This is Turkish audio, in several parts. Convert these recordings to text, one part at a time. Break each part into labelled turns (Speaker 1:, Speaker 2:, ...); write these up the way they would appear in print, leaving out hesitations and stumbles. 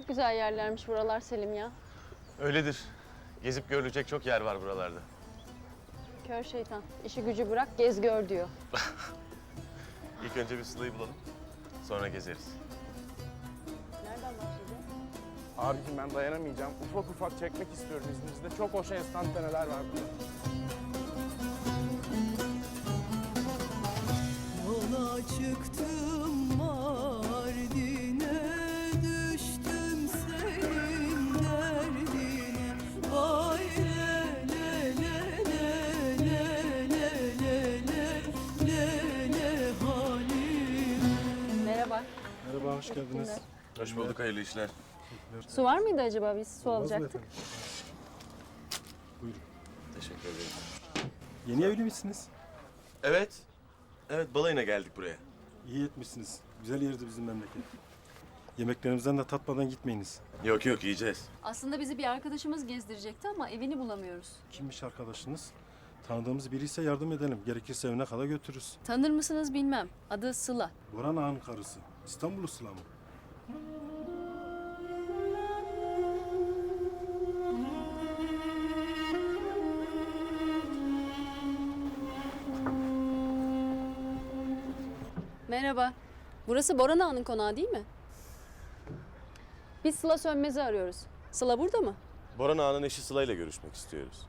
Speaker 1: Çok güzel yerlermiş buralar Selim ya.
Speaker 2: Öyledir. Gezip görülecek çok yer var buralarda.
Speaker 1: Kör şeytan. İşi gücü bırak gez gör diyor.
Speaker 2: İlk önce bir Sıla'yı bulalım. Sonra gezeriz.
Speaker 1: Nereden başlayacağız?
Speaker 3: Abicim ben dayanamayacağım. Ufak ufak çekmek istiyorum izninizle. Çok hoş enstantaneler var burada.
Speaker 4: Yola çıktım Mardin'e, düştüm senin derdine. Vay le le le le le le le le le halim.
Speaker 1: Merhaba.
Speaker 5: Merhaba, hoş geldiniz.
Speaker 2: Hoş bulduk, hayırlı işler.
Speaker 1: Su var mıydı acaba? Biz su
Speaker 5: Olmaz mı
Speaker 1: alacaktık.
Speaker 5: efendim? Buyurun.
Speaker 2: Teşekkür ederim.
Speaker 5: Yeni evli misiniz?
Speaker 2: Evet. Evet, balayına geldik buraya.
Speaker 5: İyi etmişsiniz. Güzel yerdi bizim memleket. Yemeklerimizden de tatmadan gitmeyiniz.
Speaker 2: Yok yok, yiyeceğiz.
Speaker 1: Aslında bizi bir arkadaşımız gezdirecekti ama evini bulamıyoruz.
Speaker 5: Kimmiş arkadaşınız? Tanıdığımız biri ise yardım edelim. Gerekirse evine kadar götürürüz.
Speaker 1: Tanır mısınız bilmem. Adı Sıla.
Speaker 5: Boran Ağa'nın karısı. İstanbul'u Sıla mı?
Speaker 1: Merhaba. Burası Boran Ağa'nın konağı değil mi? Biz Sıla Sönmez'i arıyoruz. Sıla burada mı?
Speaker 2: Boran Ağa'nın eşi Sıla ile görüşmek istiyoruz.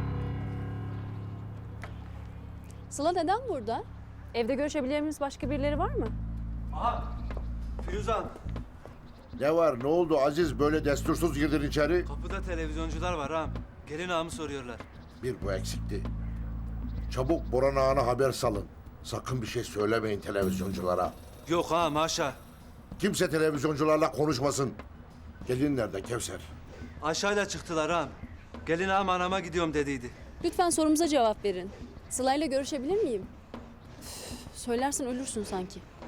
Speaker 1: Sıla neden burada? Evde görüşebileceğimiz başka birileri var mı?
Speaker 6: Aha! Firuzan,
Speaker 7: Ne var, ne oldu Aziz? Böyle destursuz girdin içeri.
Speaker 6: kapıda televizyoncular var ağam. Gelin ağamı soruyorlar.
Speaker 7: Bir bu eksikti. Çabuk Boran Ağa'na haber salın. Sakın bir şey söylemeyin televizyonculara.
Speaker 6: Yok ağam, haşa.
Speaker 7: Kimse televizyoncularla konuşmasın. Gelin nerede Kevser?
Speaker 6: Aşağıyla çıktılar ağam. Gelin ağam anama gidiyorum dediydi.
Speaker 1: Lütfen sorumuza cevap verin. Sıla'yla görüşebilir miyim? Üf, söylersen ölürsün sanki.